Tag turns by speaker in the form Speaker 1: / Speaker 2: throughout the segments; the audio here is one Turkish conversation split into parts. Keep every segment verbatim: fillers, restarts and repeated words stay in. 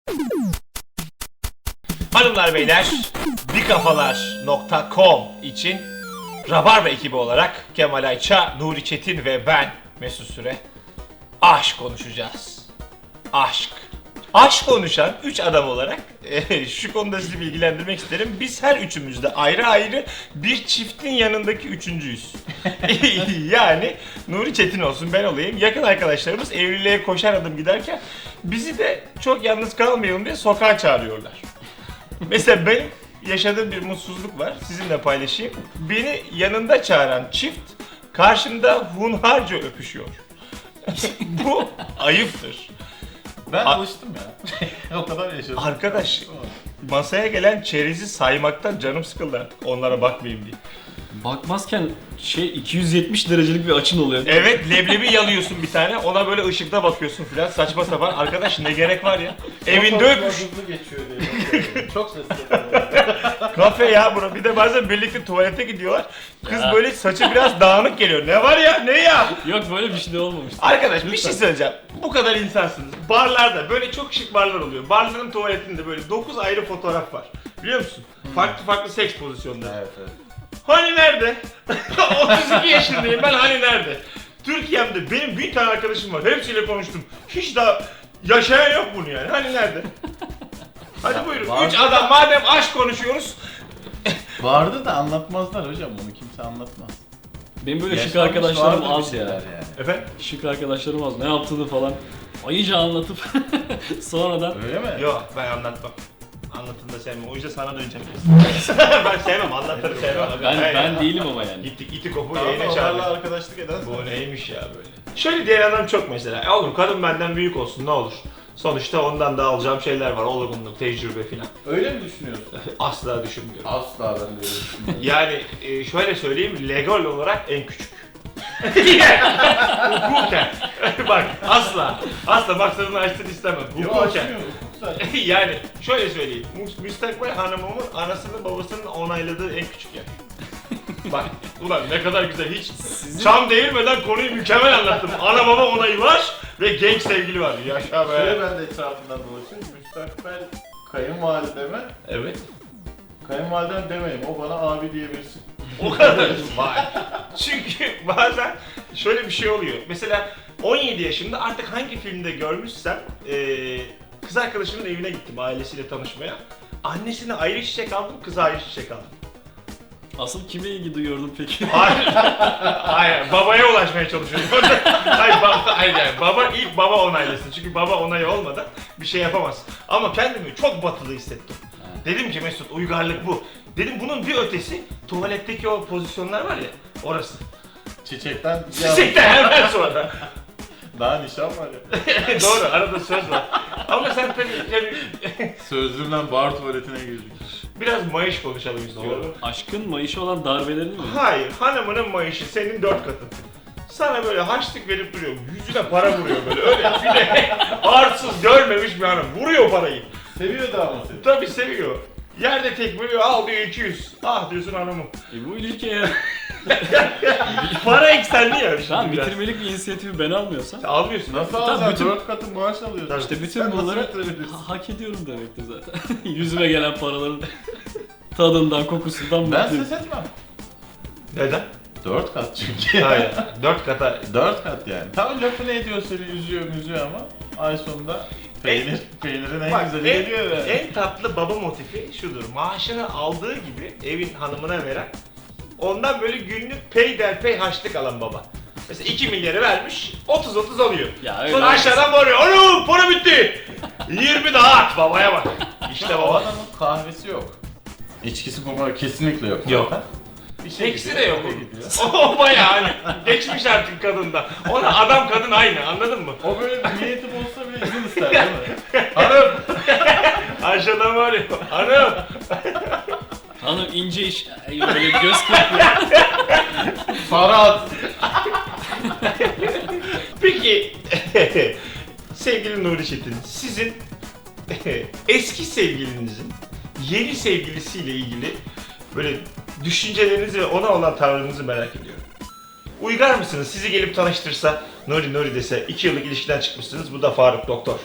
Speaker 1: Hanımlar beyler, bikafalar nokta com için Rabarba ekibi olarak Kemal Ayça, Nuri Çetin ve ben Mesut Süre aşk konuşacağız. Aşk. Aşk konuşan üç adam olarak e, şu konuda sizi bilgilendirmek isterim. Biz her üçümüz de ayrı ayrı bir çiftin yanındaki üçüncüyüz. Yani Nuri Çetin olsun, ben olayım. Yakın arkadaşlarımız evliliğe koşar adım giderken bizi de çok yalnız kalmayalım diye sokağa çağırıyorlar. Mesela benim yaşadığım bir mutsuzluk var, sizinle paylaşayım. Beni yanında çağıran çift karşımda hunharca öpüşüyor. Bu ayıptır.
Speaker 2: Ben
Speaker 1: A-
Speaker 2: alıştım ya. O kadar yaşadım.
Speaker 1: Arkadaş, masaya gelen çerezi saymaktan canım sıkıldı artık, onlara bakmayayım diye.
Speaker 3: Bakmazken şey iki yüz yetmiş derecelik bir açın oluyor.
Speaker 1: Evet, leblebi yalıyorsun bir tane, ona böyle ışıkta bakıyorsun filan, saçma sapan. Arkadaş ne gerek var ya? Evinde öpüş.
Speaker 2: Hızlı geçiyor diye. Çok sesli.
Speaker 1: Kafe ya bura. Bir de bazen birlikte tuvalete gidiyorlar. Kız
Speaker 3: Ya.
Speaker 1: böyle saçı biraz dağınık geliyor. Ne var ya? Ne ya?
Speaker 3: Yok, böyle bir şey de olmamış.
Speaker 1: Arkadaş bir
Speaker 3: Lütfen.
Speaker 1: şey söyleyeceğim. Bu kadar insansınız. Barlarda böyle çok şık barlar oluyor. Barların tuvaletinde böyle dokuz ayrı fotoğraf var. Biliyor musun? Farklı farklı seks pozisyonları.
Speaker 2: Evet evet.
Speaker 1: Hani nerede? otuz iki yaşındayım ben, hani nerede? Türkiye'mde benim bin tane arkadaşım var. Hepsiyle konuştum. Hiç daha yaşayan yok bunu yani. Hani nerede? Hadi buyurun.
Speaker 2: Var.
Speaker 1: Üç adam, madem aşk konuşuyoruz.
Speaker 2: Vardı da anlatmazlar hocam, bunu kimse anlatmaz.
Speaker 3: Benim böyle şık
Speaker 2: Yaşanmış
Speaker 3: arkadaşlarım
Speaker 2: vardır bir
Speaker 3: az ya.
Speaker 2: şeyler yani.
Speaker 1: Efendim?
Speaker 3: Şık arkadaşlarım az. Ne yaptığını falan ayıca anlatıp sonradan
Speaker 2: Öyle mi?
Speaker 1: Yok, ben anlatmam. Anlatın da sevmem. O yüzden sana döneceğim. ben sevmem, anlatırı sevmem.
Speaker 3: ben
Speaker 1: Hayır
Speaker 3: ben
Speaker 1: ya.
Speaker 3: değilim ama yani.
Speaker 1: Gittik iti kopu
Speaker 2: Tamam,
Speaker 1: yayına
Speaker 2: onlarla
Speaker 1: çağırdık.
Speaker 2: arkadaşlık eden.
Speaker 1: Bu neymiş ya böyle? Şöyle diyen adam çok mesela. E oğlum kadın benden büyük olsun ne olur. Sonuçta ondan da alacağım şeyler var. Olgunluk, tecrübe filan.
Speaker 2: Öyle mi düşünüyorsun?
Speaker 1: Asla düşünmüyorum.
Speaker 2: Asla ben de öyle düşünmüyorum.
Speaker 1: Yani e, şöyle söyleyeyim, legal olarak en küçük. Hukuken. Bak asla. Asla maksadını açsın istemem.
Speaker 2: Yok,
Speaker 1: Hukuken.
Speaker 2: açmıyor, hukuksal.
Speaker 1: Yani şöyle söyleyeyim. Mü- Müstakbel hanımımın anasının babasının onayladığı en küçük yer. Bak ulan ne kadar güzel, hiç çam değirmeden konuyu mükemmel anlattım. Ana baba onayı var ve genç sevgili var. Yaşa
Speaker 2: Şöyle
Speaker 1: be.
Speaker 2: ben de etrafından dolaşıyorum. Müstakbel kayınvalideme,
Speaker 1: Evet.
Speaker 2: kayınvalidem demeyeyim, o bana abi diyebilsin.
Speaker 1: O kadar. Vay. Çünkü bazen şöyle bir şey oluyor. Mesela on yedi yaşında artık hangi filmde görmüşsem eee kız arkadaşımın evine gittim ailesiyle tanışmaya. Annesine ayrı çiçek aldım, kıza ayrı çiçek aldım.
Speaker 3: Asıl kime ilgi duyuyordun peki?
Speaker 1: Hayır. Hayır, babaya ulaşmaya çalışıyorum. hayır, baba, hayır yani baba ilk baba onaylasın. Çünkü baba onayı olmadan bir şey yapamaz. Ama kendimi çok batılı hissettim. Dedim ki Mesut, uygarlık bu. Dedim bunun bir ötesi tuvaletteki o pozisyonlar var ya, orası.
Speaker 2: Çiçekten
Speaker 1: Çiçekten hemen sonra.
Speaker 2: daha nişan var ya.
Speaker 1: Doğru, arada söz var. Ama sen tabii yani,
Speaker 2: Sözlüğümden bar tuvaletine girdik.
Speaker 1: biraz mayış konuşalım istiyorum.
Speaker 3: Aşkın mayışı olan darbelerini mi?
Speaker 1: Hayır, hanımının mayışı senin dört katın. Sana böyle harçlık verip duruyor, yüzüne para vuruyor böyle, öyle bir de arsız görmemiş bir hanım, vuruyor parayı.
Speaker 2: Seviyor da ama seni.
Speaker 1: Tabii seviyor. Yerde tekmeliyor, al diyor iki yüz. Ah diyorsun hanımım.
Speaker 3: E bu ilişki eğer
Speaker 1: Para eksenli ya.
Speaker 3: şu an
Speaker 1: şimdi biraz.
Speaker 3: bitirmelik bir inisiyatifi ben almıyorsam
Speaker 1: Almıyorsun.
Speaker 2: Nasıl
Speaker 3: Tabii
Speaker 2: alacaksın?
Speaker 3: bütün-
Speaker 2: Dört katı maaş alıyorsun.
Speaker 3: işte bütün
Speaker 2: Sen nasıl
Speaker 3: bunları
Speaker 2: bitirebilirsin?
Speaker 3: ha- hak ediyorum demektir zaten. Yüzüme gelen paraların tadından, kokusundan
Speaker 2: Ben
Speaker 3: mutluyum.
Speaker 2: ses etmem.
Speaker 1: Neden?
Speaker 2: Dört kat çünkü.
Speaker 1: Hayır. Dört kata.
Speaker 2: Dört kat yani. Tam lafını ediyor, seni üzüyor üzüyor ama ay sonunda peynir, peynirin en
Speaker 1: Bak,
Speaker 2: güzeli
Speaker 1: en,
Speaker 2: geliyor yani.
Speaker 1: en tatlı baba motifi şudur. Maaşını aldığı gibi evin hanımına veren, ondan böyle günlük peyderpey harçlık alan baba. Mesela iki milyarı vermiş, otuz otuz alıyor.
Speaker 3: Ya öyle
Speaker 1: Sonra
Speaker 3: olmaz.
Speaker 1: aşağıdan bağırıyor. Oğlum para bitti. yirmi daha at, babaya bak. İşte
Speaker 2: O
Speaker 1: baba.
Speaker 2: adamın kahvesi yok. İçkisi kumar kesinlikle yok.
Speaker 1: Yok.
Speaker 2: zaten. Bir şey
Speaker 1: İkisi
Speaker 2: gidiyor,
Speaker 1: de yok.
Speaker 2: eve gidiyor.
Speaker 1: O bayağı hani geçmiş artık kadında. Ona adam kadın aynı, anladın mı?
Speaker 2: O böyle bir niyeti olsa bile izin ister değil mi? Hanım!
Speaker 1: Aşağıdan bağırıyor. Hanım.
Speaker 3: Hanım ince iş, Ay, böyle göz kırpıyor.
Speaker 2: Para at!
Speaker 1: Peki sevgili Nuri Çetin, sizin eski sevgilinizin yeni sevgilisiyle ilgili böyle düşüncelerinizi ve ona olan tavrınızı merak ediyorum. Uygar mısınız? Sizi gelip tanıştırsa, Nuri Nuri dese, iki yıllık ilişkiden çıkmışsınız, bu da Faruk doktor.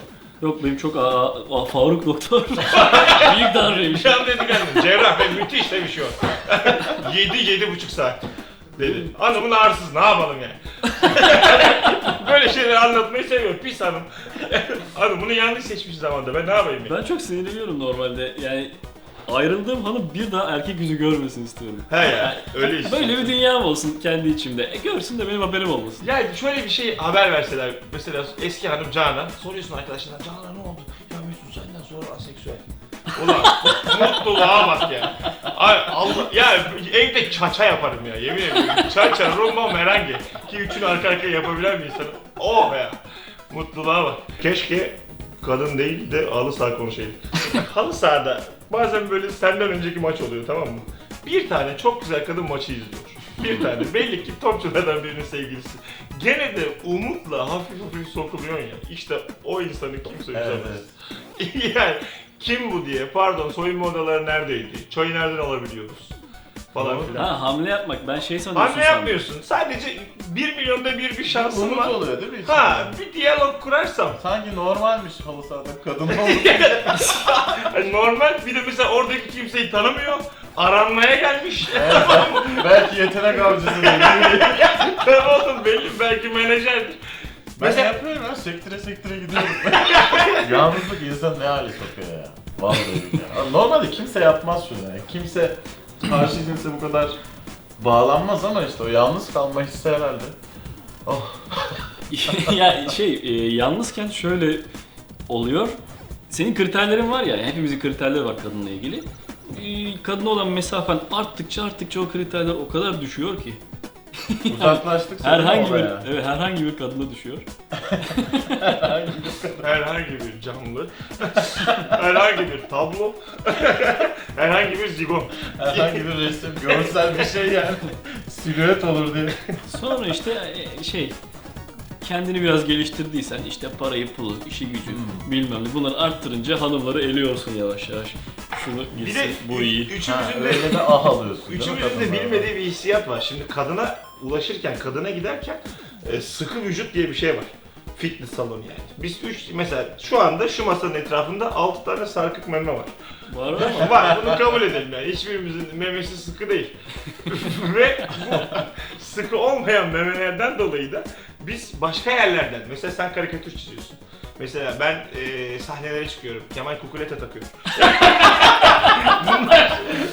Speaker 3: Yok benim çok aa, aa, Faruk doktor. Büyük darbeymiş.
Speaker 1: Bir an dedik hanım, cerrah ve müthiş demiş o. Yedi, yedi buçuk saat. Dedi. Hanımın ağrısız, ne yapalım yani? Böyle şeyleri anlatmayı seviyor, pis hanım. Hanım bunu yanlış seçmiş zamanda, ben ne yapayım ya?
Speaker 3: Ben çok sinirleniyorum normalde. Yani ayrıldığım hanım bir daha erkek yüzü görmesin istiyorum.
Speaker 1: He ya, öyle işte.
Speaker 3: Böyle bir dünyam olsun kendi içimde. E görsün de benim haberim olmasın.
Speaker 1: Yani şöyle bir şey haber verseler, mesela eski hanım Canan, soruyorsun arkadaşlarına, Canan ne oldu? Ya Mesut senden sonra aseksüel. Ulan mutluluğa bak ya. Ay, Allah, ya evde çaça yaparım ya, yemin ederim. Çaça, rumba, merengue. Ki üçünü arka arkaya yapabilen bir insanım. Oh ya. Mutluluğa bak. Keşke kadın değil de halı saha konuşayım. Halı sahada bazen böyle senden önceki maç oluyor, tamam mı? Bir tane çok güzel kadın maçı izliyor. Bir tane. Belli ki topçulardan birinin sevgilisi. Gene de umutla hafif hafif sokuluyor ya. İşte o insanı kimse üzemez. Yani kim bu diye, pardon soyunma odaları neredeydi? Çayı nereden alabiliyoruz? Falan filan.
Speaker 3: Ha hamle yapmak. Ben şey sanıyorsun
Speaker 1: Hamle yapmıyorsun. Sadece bir milyonda bir bir şansın
Speaker 2: Umut
Speaker 1: var.
Speaker 2: oluyor değil mi?
Speaker 1: Ha, bir diyalog kurarsam.
Speaker 2: Sanki normalmiş halı sahada kadın olur.
Speaker 1: Yani normal, bir de mesela oradaki kimseyi tanımıyor. Aranmaya gelmiş.
Speaker 2: Belki yetenek avcısı değil.
Speaker 1: Tamam oğlum, belli, belki menajerdir.
Speaker 2: Ben
Speaker 1: Mesela-
Speaker 2: yapıyorum ya, sektire sektire gidiyorum. Yalnızlık insan ne hale sokuyor ya. Vallahi ya. Normalde kimse yapmaz şunu yani. Kimse karşı cinse bu kadar bağlanmaz ama işte o yalnız kalma hissi herhalde. Oh.
Speaker 3: ya şey e, yalnızken şöyle oluyor. Senin kriterlerin var ya, hepimizin kriterleri var kadınla ilgili. E, kadına olan mesafen arttıkça arttıkça o kriterler o kadar düşüyor ki.
Speaker 2: Uzaklaştık
Speaker 3: Herhangi bir evet herhangi bir kadına düşüyor.
Speaker 1: Herhangi bir canlı, herhangi bir tablo, herhangi bir zigon.
Speaker 2: Herhangi bir resim, görsel bir şey yani. Silüet olur diye.
Speaker 3: Sonra işte e, şey kendini biraz geliştirdiysen işte parayı, pulu, işi gücü
Speaker 2: Hmm.
Speaker 3: bilmem ne bunları arttırınca hanımları eliyorsun yavaş yavaş. Şunu
Speaker 1: Bir
Speaker 3: gitsin,
Speaker 1: de
Speaker 3: bu iyi.
Speaker 2: Ha,
Speaker 1: üçümüzün de
Speaker 2: öyle de ah alıyorsun. değil mi
Speaker 1: Üçümüzün de
Speaker 2: kadınlar?
Speaker 1: bilmediği bir hissiyat var. Şimdi kadına ulaşırken, kadına giderken e, sıkı vücut diye bir şey var. Fitness salonu yani. Biz üç, mesela şu anda şu masanın etrafında altı tane sarkık meme var.
Speaker 3: Var ama
Speaker 1: Var, bunu kabul edelim yani. Hiçbirimizin memesi sıkı değil. Ve bu sıkı olmayan memelerden dolayı da biz başka yerlerden, mesela sen karikatür çiziyorsun. Mesela ben e, sahnelere çıkıyorum, Kemal Kukuleta takıyorum. bunlar,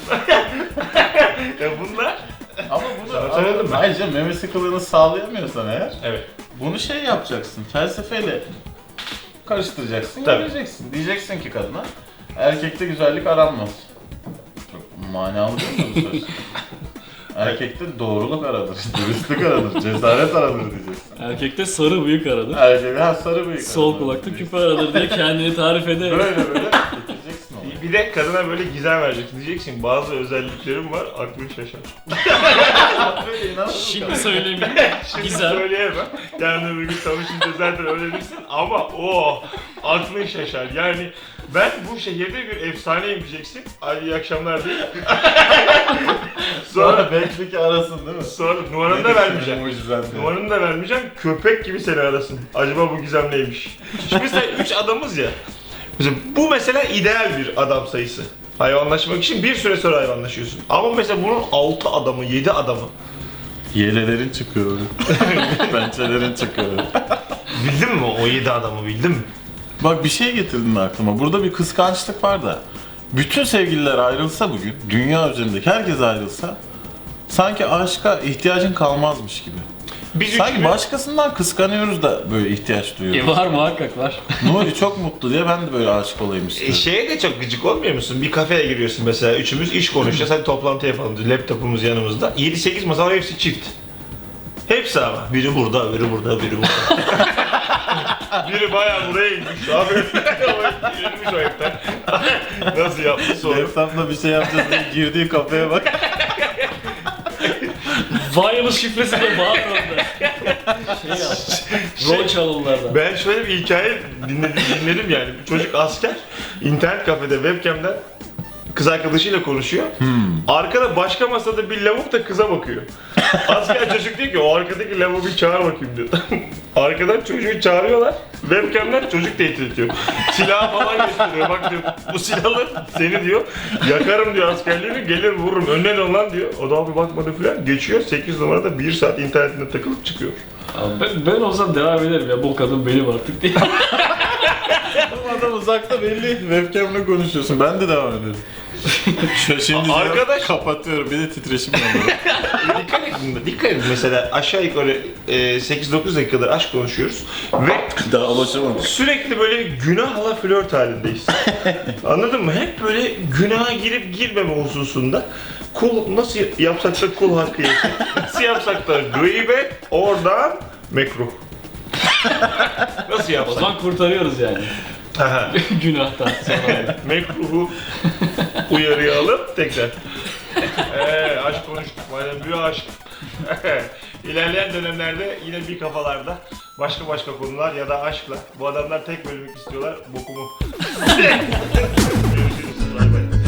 Speaker 1: ya bunlar,
Speaker 2: Ama bunu
Speaker 1: Sana söyledim mi?
Speaker 2: ayrıca meme sıkılığını sağlayamıyorsan eğer
Speaker 1: evet.
Speaker 2: bunu şey yapacaksın, felsefeyle karıştıracaksın,
Speaker 1: Tabii.
Speaker 2: göreceksin. Diyeceksin ki kadına, erkekte güzellik aranmaz. Çok manalı değil mi bu söz? Erkekte doğruluk aranır, dürüstlük aranır, cesaret aranır diyeceksin.
Speaker 3: erkekte sarı bıyık aradı.
Speaker 2: Erkekte ha, sarı bıyık
Speaker 3: Sol
Speaker 2: aranır
Speaker 3: kulakta
Speaker 2: diyeceksin.
Speaker 3: küpe aradır diye kendini tarif eder.
Speaker 2: Böyle böyle getireceksin onu.
Speaker 1: Bir de kadına böyle gizem vereceksin. Diyeceksin bazı özelliklerim var, aklın şaşar.
Speaker 2: Böyle inanılır
Speaker 3: Şimdi
Speaker 2: mı?
Speaker 3: söyleyeyim.
Speaker 1: Şimdi
Speaker 3: Gizem.
Speaker 1: söyleyemem. Yani bir gün tanışınca zaten öğrenirsin ama o aklın şaşar. Yani ben bu şehirde bir efsaneyim diyeceksin. Ay iyi akşamlar değil. Sonra
Speaker 2: Sonra belki ki arasın değil mi?
Speaker 1: sonra numaranı da vermeyeceğim.
Speaker 2: Mucizen diye.
Speaker 1: Numaranı da vermeyeceğim. Köpek gibi seni arasın. Acaba bu gizem neymiş? Şimdi mesela üç adamız ya. Mesela bu mesela ideal bir adam sayısı. Hayvanlaşmak için bir süre sonra hayvanlaşıyorsun. Ama mesela bunun altı adamı, yedi adamı.
Speaker 2: Yelelerin çıkıyor. Pençelerin çıkıyor.
Speaker 1: Bildin mi o yedi adamı, bildin mi?
Speaker 2: Bak bir şey getirdin aklıma. Burada bir kıskançlık var da. Bütün sevgililer ayrılsa bugün, dünya üzerindeki herkes ayrılsa sanki aşka ihtiyacın kalmazmış gibi.
Speaker 1: Biz
Speaker 2: Sanki
Speaker 1: üçümüz-
Speaker 2: başkasından kıskanıyoruz da böyle ihtiyaç
Speaker 3: E,
Speaker 2: duyuyoruz.
Speaker 3: var muhakkak var.
Speaker 2: Nuri çok mutlu diye ben de böyle aşık olayım
Speaker 1: E,
Speaker 2: istiyorum.
Speaker 1: şeye de çok gıcık olmuyor musun? Bir kafeye giriyorsun mesela, üçümüz iş konuşacağız, hadi toplantı yapalım diyor. Laptopumuz yanımızda. yedi sekiz masa var, hepsi çift. Hepsi ama. Biri burada, biri burada, biri burada. Biri bayağı buraya inmiş abi. İnmiş o hepten. Nasıl yaptı sonra?
Speaker 2: Laptopla bir şey yapacağız diye girdiği kafeye bak.
Speaker 3: Wireless şifresi de bağlı orada. Şey ya. Rol çalımlardan.
Speaker 1: Ben şöyle bir hikaye dinledim, dinledim yani. Bir çocuk asker, internet kafede webcam'den kız arkadaşıyla konuşuyor. Arkada başka masada bir lavuk da kıza bakıyor. Asker çocuk diyor ki o arkadaki lavuğu bir çağır bakayım diyor. Arkadan çocuğu çağırıyorlar. Webcam'den çocuk tehdit ediyor. Silahı falan gösteriyor. Bak diyor bu silahı seni diyor yakarım diyor askerliğini gelir vururum. Önüne dön lan diyor. O da abi bakmadı falan. Geçiyor sekiz numarada bir saat internetinde takılıp çıkıyor.
Speaker 3: Abi ben, ben olsam devam ederim ya bu kadın benim artık diye.
Speaker 2: Adam uzakta belli. Webcam'le konuşuyorsun. Ben de devam ederim. Şu şimdi
Speaker 1: Arkadaş-
Speaker 2: kapatıyorum. Bir de titreşim yapıyorum.
Speaker 1: Dikkat edin, dikkat edin. Mesela aşağı yukarı e, sekiz dokuz dakikadır aşk konuşuyoruz ve
Speaker 2: Daha alışamadım.
Speaker 1: sürekli böyle günahla flört halindeyiz. Anladın mı? Hep böyle günaha girip girmeme hususunda kul nasıl yapsak da kul hakkı yesin. Nasıl yapsak da gıybet oradan mekruh. Nasıl
Speaker 3: O
Speaker 1: yapsak?
Speaker 3: zaman kurtarıyoruz yani.
Speaker 1: Aha,
Speaker 3: Günahtan sonra.
Speaker 1: mekruhu uyarıya alıp tekrar. Eee aşk konuştuk. Madem bir aşk. İlerleyen dönemlerde yine bir kafalarda başka başka konular ya da aşkla. Bu adamlar tek bölümlük istiyorlar. Bokumu. Görüşürüz. Bay bay.